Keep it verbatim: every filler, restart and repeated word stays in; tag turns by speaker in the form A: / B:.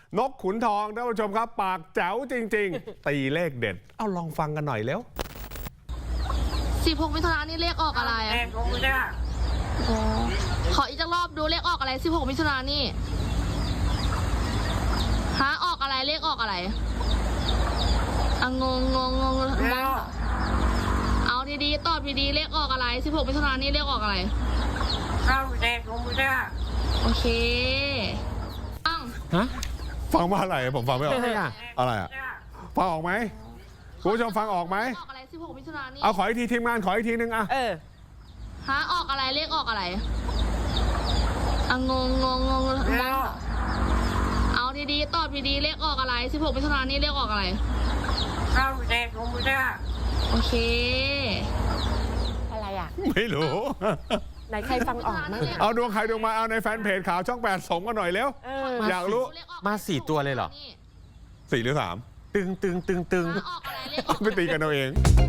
A: นกขุนทองท่านผู้ชมครับปากแจ๋วจริงๆ ตีเลขเด็ดเอาลองฟังกันหน่อยเร็ว
B: สิบหกมิถุนายนนี่เลขออกอะไรอ่ะขออีกจักรอบดูเลขออกอะไรสิบหกมิถุนายนนี่ฮะออกอะไรเลขออกอะไรอ่ะงงงงงงเอาดีๆตอบดีๆเลขออกอะไรสิบหกมิถุนายนนี่เลขออกอะไร
C: เข้าแดงของมึงจ้า
B: โอเคอ้าว
A: ฮะฟังว่าอะไรผมฟังไม่ออกอะไรอ่ะฟังออกไหมคุณผู้ชมฟังออกไหม
B: ออกอะไรสิบหกมิถุนายนนี่
A: เอาขออีกทีทีมงานขออีกทีนึงอ่ะ
C: เออ
B: ฮะออกอะไรเลขออกอะไรอ่ะงงงงงงเอาดีๆตอบดีๆเลขออกอะไรสิบหกมิถุนายนนี่เลขออกอะไร
C: เข้าแดงของมึงจ้า
B: โอเค
D: อะไรอ่ะ
A: ไม่รู้
D: ไหนใครฟังออกมั้ง
A: เอาดวงใครดวงมาเอาในแฟนเพจข่าวช่องแปดส่งกันหน่อยเร็วอยากรู้
E: มาสี่ตัวเลยเหรอ
A: สี่หรือสามตึงตึงตึงตึง
B: ออกอะไรเลขออก
A: ไปตีกันเอาเอง